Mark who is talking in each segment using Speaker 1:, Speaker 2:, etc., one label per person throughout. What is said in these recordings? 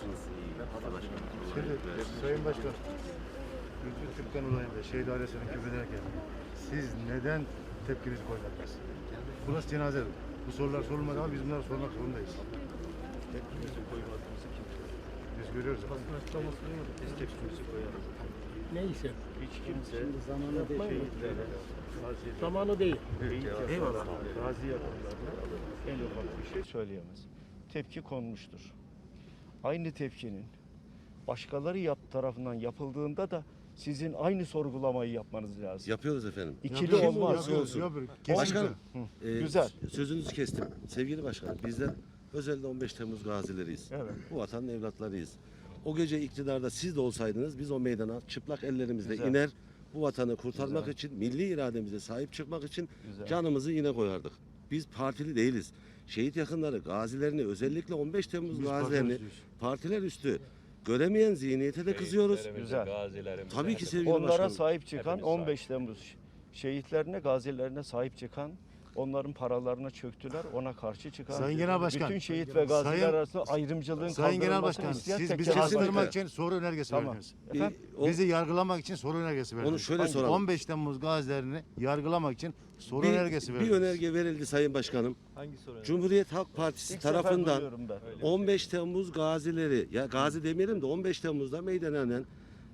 Speaker 1: Nasılsınız? İyi başkanım.
Speaker 2: Şimdi Sayın Başkan, Gülsün Türkkan olayında şehit ailesinin küfrederken siz neden tepkinizi koymadınız? Burası cenaze. Bu sorular sorulmadı ama biz bunları sormak zorundayız.
Speaker 3: Tepkimizi koymadığımızı kim söyledi?
Speaker 2: Biz görüyoruz.
Speaker 3: Basın açıklaması duymadık. Biz tepkimizi koyarız.
Speaker 4: Neyse.
Speaker 3: Hiç kimse
Speaker 4: Zamanı değil.
Speaker 3: şehitlere, gazilere,
Speaker 4: Zamanı değil.
Speaker 3: eyvallah. Gazi yakınlarına en ufak bir şey söyleyemez. Tepki konmuştur. Aynı tepkinin başkaları tarafından yapıldığında da sizin aynı sorgulamayı yapmanız lazım.
Speaker 1: Yapıyoruz efendim.
Speaker 3: İkili olmaz.
Speaker 1: Başkanım,
Speaker 3: Güzel.
Speaker 1: sözünüzü kestim. Sevgili başkanım, bizler özellikle 15 Temmuz gazileriyiz.
Speaker 3: Evet.
Speaker 1: Bu vatanın evlatlarıyız. O gece iktidarda siz de olsaydınız biz o meydana çıplak ellerimizle
Speaker 3: Güzel.
Speaker 1: iner, bu vatanı kurtarmak
Speaker 3: Güzel.
Speaker 1: için, milli irademize sahip çıkmak için
Speaker 3: Güzel.
Speaker 1: canımızı yine koyardık. Biz partili değiliz. Şehit yakınları, gazilerini, özellikle 15 Temmuz
Speaker 2: Biz
Speaker 1: gazilerini
Speaker 2: partiler
Speaker 1: partiler üstü göremeyen zihniyete de kızıyoruz.
Speaker 3: Güzel.
Speaker 1: Tabii ki sevgili
Speaker 3: Onlara
Speaker 1: başkanım.
Speaker 3: sahip çıkan 15 Temmuz şehitlerine, gazilerine sahip çıkan, onların paralarına çöktüler, ona karşı çıkan,
Speaker 2: Sayın Genel Başkan,
Speaker 3: bütün şehit ve gaziler
Speaker 2: Sayın-
Speaker 3: arasında ayrımcılığın
Speaker 2: Sayın Genel
Speaker 3: kaldırılmasını
Speaker 2: Başkan,
Speaker 3: isteyen
Speaker 2: siz
Speaker 3: tek
Speaker 2: bizi
Speaker 3: cenaz var.
Speaker 2: kastırmak için soru önergesi
Speaker 3: Tamam.
Speaker 2: verdiniz.
Speaker 3: Efendim?
Speaker 2: Bizi yargılamak için soru önergesi verdiniz.
Speaker 1: şöyle soralım.
Speaker 2: 15 Temmuz gazilerini yargılamak için soru önergesi
Speaker 1: bir
Speaker 2: verdiniz.
Speaker 1: önerge verildi Sayın Başkanım.
Speaker 3: Hangi soru?
Speaker 1: Cumhuriyet Halk Partisi
Speaker 3: İlk sefer
Speaker 1: tarafından
Speaker 3: duyuyorum ben.
Speaker 1: 15 Temmuz gazileri, ya gazi demeyelim de 15 Temmuz'da meydana inen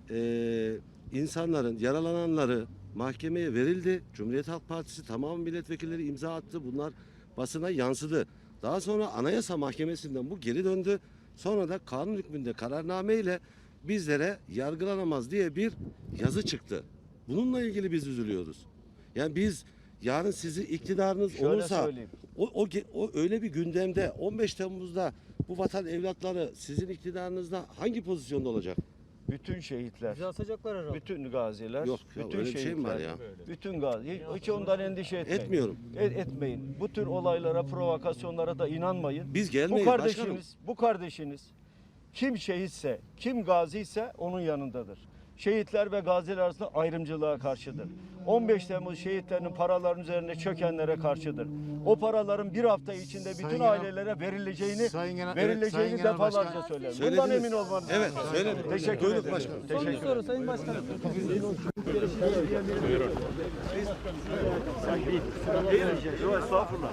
Speaker 1: insanların, yaralananları mahkemeye verildi. Cumhuriyet Halk Partisi tamam milletvekilleri imza attı. Bunlar basına yansıdı. Daha sonra Anayasa Mahkemesi'nden bu geri döndü. Sonra da kanun hükmünde kararname ile bizlere yargılanamaz diye bir yazı çıktı. Bununla ilgili biz üzülüyoruz. Yani biz yarın sizi iktidarınız
Speaker 3: Şöyle
Speaker 1: olursa
Speaker 3: söyleyeyim.
Speaker 1: o öyle bir gündemde 15 Temmuz'da bu vatan evlatları sizin iktidarınızda hangi pozisyonda olacak?
Speaker 3: Bütün şehitler,
Speaker 4: Bizi asacaklar herhalde.
Speaker 3: bütün gaziler,
Speaker 1: Yok ya,
Speaker 3: bütün
Speaker 1: öyle bir şey mi var ya?
Speaker 3: Bütün gazi, hiç ondan endişe etmeyin.
Speaker 1: Etmiyorum.
Speaker 3: Etmeyin. Bu tür olaylara, provokasyonlara da inanmayın.
Speaker 1: Biz
Speaker 3: Bu
Speaker 1: gelmeyiz başkanım.
Speaker 3: bu kardeşiniz kim şehitse, kim gaziyse onun yanındadır. Şehitler ve gaziler arasında ayrımcılığa karşıdır. 15 Temmuz şehitlerinin paraların üzerine çökenlere karşıdır. O paraların bir hafta içinde bütün
Speaker 2: Sayın Genel-
Speaker 3: ailelere verileceğini
Speaker 2: Sayın Genel
Speaker 3: verileceğini
Speaker 2: Başkan.
Speaker 3: defalarca söylerim.
Speaker 1: Söylediniz.
Speaker 3: Bundan emin olmanız
Speaker 1: Evet,
Speaker 3: lazım.
Speaker 1: söyledim.
Speaker 3: Teşekkür
Speaker 1: Buyurun
Speaker 3: ederim.
Speaker 1: başkanım.
Speaker 4: Son bir
Speaker 3: Teşekkür
Speaker 4: soru Sayın Başkanım.
Speaker 3: Yok, estağfurullah.